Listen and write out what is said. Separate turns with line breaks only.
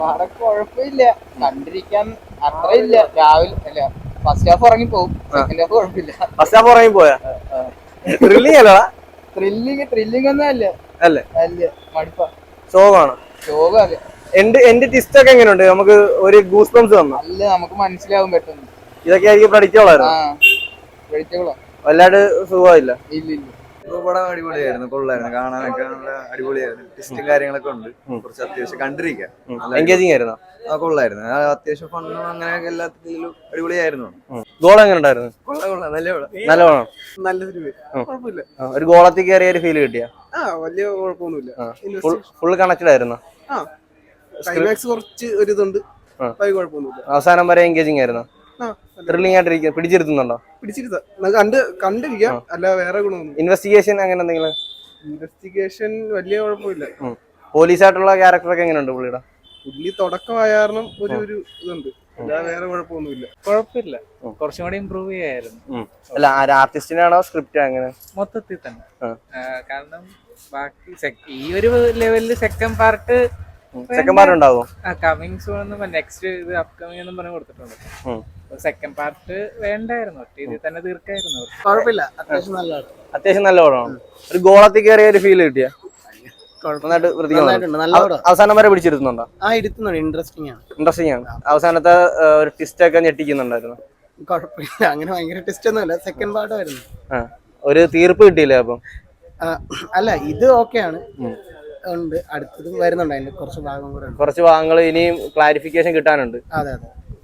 പടം കുഴപ്പമില്ല, കണ്ടിരിക്കാൻ അത്ര ഇല്ല. രാവിലെ അല്ല, ഫസ്റ്റ് ഹാഫ് ഇറങ്ങി പോകും, സെക്കൻഡ് ഹാഫ് കുഴപ്പമില്ല.
ഫസ്റ്റ് ഹാഫ് ഇറങ്ങി പോയാ ത്രില്ലിംഗ് അല്ലടാ?
ത്രില്ലിംഗ് ഒന്നും അല്ല,
അല്ലേ?
അല്ല, മടുപ്പാ.
ശോകാണ്.
ശോക അതെ.
എന്റെ ട്വിസ്റ്റ് ഒക്കെ എങ്ങനെയുണ്ട്? നമുക്ക് ഒരു ഗൂസ് ബംസ് തന്നു.
അല്ല, നമുക്ക് മനസ്സിലാവും പെട്ടെന്ന്.
ഇതൊക്കെ ആയിരിക്കും പ്രഡിക്റ്റബിളായിരുന്നു. വല്ലാണ്ട് സുഖമില്ല.
ഇല്ല.
പടം അടിപൊളിയായിരുന്നു, കൊള്ളായിരുന്നു, കാണാനൊക്കെ നല്ല അടിപൊളിയായിരുന്നു. ടെസ്റ്റും കാര്യങ്ങളൊക്കെ ഉണ്ട്, കുറച്ച് അത്യാവശ്യം കണ്ടിരിക്കാം.
എൻഗേജിങ് ആയിരുന്നു.
കൊള്ളായിരുന്നു, അത്യാവശ്യം ഫണ്ണും അങ്ങനെയൊക്കെ എല്ലാത്തിലും അടിപൊളിയായിരുന്നു.
ഗോൾ എങ്ങനെ ഉണ്ടായിരുന്നു?
കൊള്ളാം,
നല്ല പടം,
കുഴപ്പമില്ല.
ഒരു ഗോളത്തിൽ കയറിയ ഒരു ഫീൽ കിട്ടിയ?
വലിയ കുഴപ്പമൊന്നുമില്ല.
ഫുൾ കണക്റ്റഡ് ആയിരുന്നു.
ക്ലൈമാക്സ് കുറച്ച് ഒരു ഇതുണ്ട്, കുഴപ്പമൊന്നുമില്ല.
അവസാനം വരെ എൻഗേജിങ് ആയിരുന്നു. ത്രില്ലിംഗ് ആയിട്ടിരിക്കുക, പിടിച്ചിരുത്തുന്നുണ്ടോ?
കണ്ടിരിക്കാം, അല്ല വേറെ ഗുണമൊന്നും.
ഇൻവെസ്റ്റിഗേഷൻ അങ്ങനെ എന്തെങ്കിലും?
ഇൻവെസ്റ്റിഗേഷൻ വലിയ കുഴപ്പമില്ല.
പോലീസായിട്ടുള്ള ക്യാരക്ടറൊക്കെ എങ്ങനെയുണ്ട് പുള്ളിയുടെ?
പുള്ളി തുടക്കമായ കാരണം ഒരു ഇതുണ്ട്, അല്ലാതെ വേറെ കുഴപ്പമൊന്നുമില്ല.
കുഴപ്പമില്ല, കുറച്ചും കൂടി ഇമ്പ്രൂവ് ചെയ്യായിരുന്നു.
അല്ല, ആർട്ടിസ്റ്റിനാണോ സ്ക്രിപ്റ്റ് അങ്ങനെ?
മൊത്തത്തിൽ തന്നെ. കാരണം ബാക്കി ഈ ഒരു ലെവലില് സെക്കൻഡ് പാർട്ട്
ഉണ്ടാവും.
കമ്മിങ് സൂൺ എന്നും നെക്സ്റ്റ് ഇത് അപ്കമിങ് എന്നും പറഞ്ഞ് കൊടുത്തിട്ടുണ്ട്. സെക്കൻഡ് പാർട്ട് വേണ്ടായിരുന്നു, ഒറ്റ ഇതിൽ തന്നെ തീർക്കായിരുന്നു.
കുഴപ്പമില്ല,
അത്യാവശ്യം നല്ല പടമാണ്. ഒരു ഗോളത്തിൽ കയറിയ ഒരു ഫീൽ കിട്ടിയ? അവസാനം വരെ പിടിച്ചിരുത്തുന്നുണ്ടോ? ഇൻട്രസ്റ്റിംഗ് ആണ്. അവസാനത്തെ ഒരു ട്വിസ്റ്റ് ഒക്കെ ഞെട്ടിക്കുന്നുണ്ടായിരുന്നു.
കുഴപ്പമില്ല, അങ്ങനെ ഭയങ്കര ട്വിസ്റ്റ് ഒന്നുമില്ല. സെക്കൻഡ് പാർട്ട് ആയിരുന്നു.
ഒരു തീർപ്പ് കിട്ടിയില്ലേ അപ്പം?
അല്ല, ഇത് ഓക്കെയാണ്, ഉണ്ട്. അടുത്തതും വരുന്നുണ്ട്, അതിന്റെ കുറച്ച് ഭാഗങ്ങൾ
ഇനിയും ക്ലാരിഫിക്കേഷൻ കിട്ടാനുണ്ട്.
അതെ.